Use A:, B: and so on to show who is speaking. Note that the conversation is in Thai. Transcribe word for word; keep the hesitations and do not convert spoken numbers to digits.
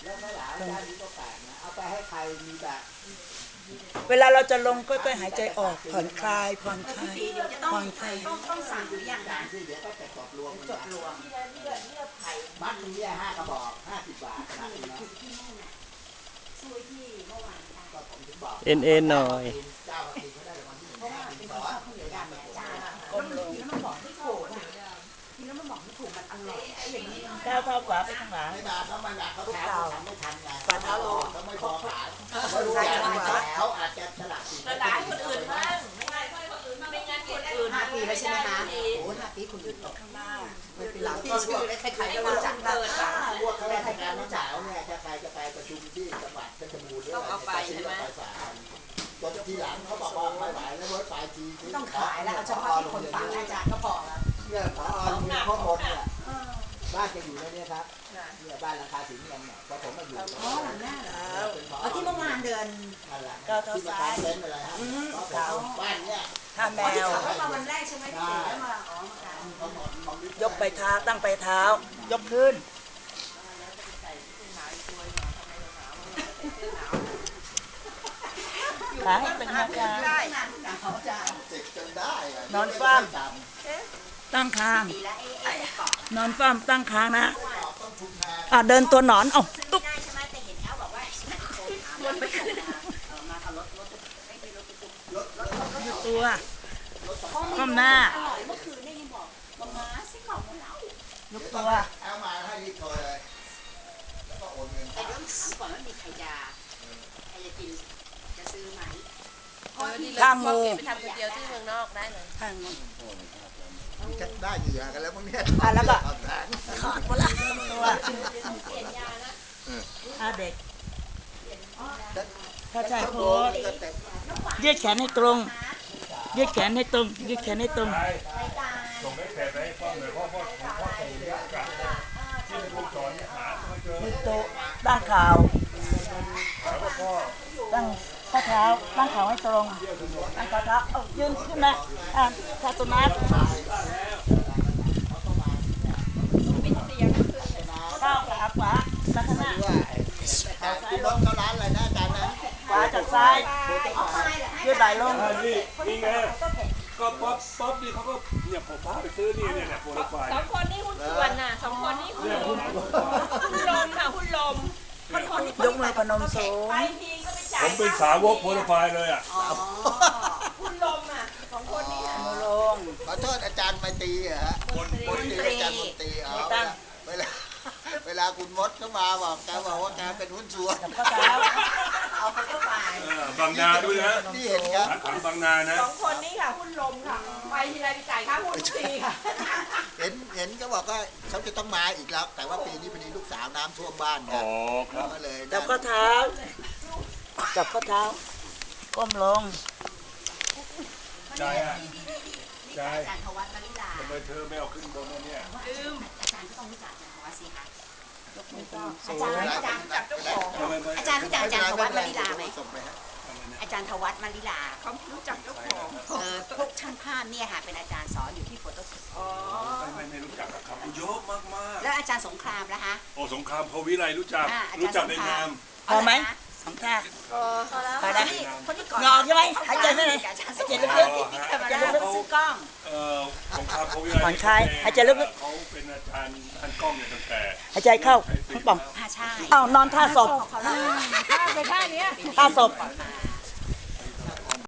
A: แล้วข้าวหลามด้านนี้ก็แปลกนะเอาไปให้ใครมีแบบ
B: เวลาเราจะลงก็ต้องหายใจออกผ่อนคลายผ่อนคลายผ่อนคลาย
C: ต้องต้องสั่งหรือยังนะ
A: ที่เดี๋ยวก็จะจดรวม
C: จดรวม
A: มัดนี้ห้ากระบอกห้าสิบบาทนะ
C: ช่วยที่เมื่อวาน
A: ก็ผมถึงบอก
D: เอ็นเอ็นหน่อย
A: เจ้ากินเขาได้รางวัลที่หนึ่งห้าสิบสอง
C: ก้มลงแล้วมันบอกไม่ถูกทีแล้วมันบอกไม่ถูกมันอร่อยอย่างนี้
B: ก้าวเท้าขวาไปข้างหลัง
A: ไม่มาเขาไม่มาเขาแพ้ทำไม่ทันไง
B: ฝ่าเท้าลง
A: เขาไม่พอขายเขารู้อย่างเขาอาจจะสลับสิน
E: สลายคนอื่นบ้างไม่ใช่คนอื่นบ้างไม่งั้นคนอื่น
C: ห้าปีแล้วใช่ไหมคะโอ้ห้าปีคุณอื่นตกข้างหน้าไม่เป็นหลังที่ช่วยไปขายได้รู้จักเกิดอ่ะ
A: พวกข้าราชการน้องสาวเนี่ยจะใครจะไปประชุมที่จังหวัดเพชรบูรณ์ต้องเอาไปใช่ไหมจนทีหลังเขาบอกว่าไม่ไหวแล้วรถไฟที
C: ต้องขายแล้วเอาเฉพาะที่คนฟังอาจารย์ก็พอแล้ว
A: เนี่ยพอมีข้อมูลเนี่ยบ้านจะอยู่ในนี้ครับเนี่ยบ้านราคาถึงยังเนี่ยพอผมมาอยู่
C: อ๋อหลังหน้าเหรอเอาที่เมื่อวานเดิน
A: ก็เท่าซ้ายเป็นอะไรฮะบ้านเนี่ย
B: ท่าแมว
C: เขามาวันแรกใช่ไหมที่ถึงแล้วมาอ๋อย
B: กไปเท้าตั้งไปเท้ายกขึ้นขาให้เป็นกลางนอนฟ้ามตั้งคางนอนฟ้ามตั้งคางนะอ่ะเดินตัวหนอนเอ้าตุ๊บตัวก้มหน้ายกตัว
A: เอามาให้รีบโทรเลยแล้วก็โอนเงิน
C: แต่ต้องถามก่อนว่ามีใครยาใครจะกินจะซื้อไหม
B: ข้างงู
E: ไปทำคนเดียวที่เมืองนอกได้เลย
B: ข้างงู
A: ได้เหยื่อกันแล้วมึงเนี่ย
B: อ่ะแล้วก็ขาดหมดละตัวถ้าเด็กถ้าชายโพสยืดแขนให้ตรงยืดแขนให้ตรงยืดแขนให้ตรง
F: ส่งให้แขนไปให้พ่อเลยพ่อพ่อของพ่อส่งยากกันที่เป็นลูกศรหาไม่เจอ
B: มือโตตั้งข่าวตั้งข้อเท้าตั้งข่าวให้ตรงตั้งข้อเท้าเอ้ายืนขึ้นมาอ่ะถ้าตัวนัดข้าวขาขวามาข้างหน้า
A: คุณรถเขาร้านอะไรนะอาจารย์นะ
B: ขวาจากซ้ายยืดไหล่ลง
F: นี่นี่ไงก็ป๊อปป๊อปนี่เขาก็เนี่ยผมพาไปซื้อนี่เนี่ยโปรไฟล์
E: สองคนนี้หุ้นส่วนน่ะสองคนนี้หุ้นหุ้นลมค่ะหุ้นลม
B: ยกมือพนมสูง
E: ไปทีก็ไปจ่าย
F: ผมเป็นสาวกโปรไฟล์เลยอ่ะ
E: หุ้นลมอ่ะสองคนนี้
B: มือลง
A: ขอโทษอาจารย์มาตีเหรอฮะคนคนตีอาจารย์มนตรีอ๋อเวลาเวลาคุณมดเข้ามาบอกแกบอกว่าแกเป็นหุ้นส่วน
B: ข้อเท้า
C: เอาไปเข้าไป
F: บางนาด้วยนะ
A: นี่เห็นครับ
F: ขังบางนานะ
E: สองคนนี้ค่ะหุ้นลมค่ะไปทีไรไปจ่ายค่าหุ้นทุกทีค่ะ
A: เห็นเห็นก็บอกว่าเขาจะต้องมาอีกแล้วแต่ว่าปีนี้พอดีลูกสาวน้ำท่วมบ้านครับก็เลย
B: จับข้อเท้าจับข้อเท้าก้มลง
F: ใจอ่ะใจ
C: อาจารย์ธวัฒน์มาริลา
F: ทำไมเธอไม่เอาขึ้นบนเนี่ย
C: ลืมอาจารย์ก็ต้องรู้จักอาจารย์ธวัฒน์สิคะอาจารย์อาจารย์จับเจ้าของอาจารย์รู้จักอาจารย์ธวัฒน์มาริลาไหมอาจารย์ธวัฒน์มาริลา
E: เขารู้จักเจ้าของ
C: เออพวกช่างภาพเนี่ยค่ะเป็นอาจารย์สอนอยู่ที่โฟโต้
E: อ๋อ
F: ไม่ไม่รู้จักครับเยอะมากมาก
C: แล้วอาจารย์สงครามนะคะ
F: โอ้สงครามพวิไลรู้จักรู้จักในนาม
B: พอไหมสองท่า
C: พอแล้วพอ
B: แล้ว
C: คนที่ก่อน
B: งอใช่ไหมหายใจไม่เลยหายใจลึก
C: ๆจะลึกๆซื้อกล้อง
F: เอ่อสงครามพวิไล
B: ผ่อนคลายหายใจลึก
F: ๆเขาเป็นอาจารย์ท่านกล้องเนี่ยตั้งแต่
B: หายใจเข้าป่อง
C: ใช่
B: อ้าวนอนท่าศพ
E: ท่าไปท่านี้
B: ท่าศพ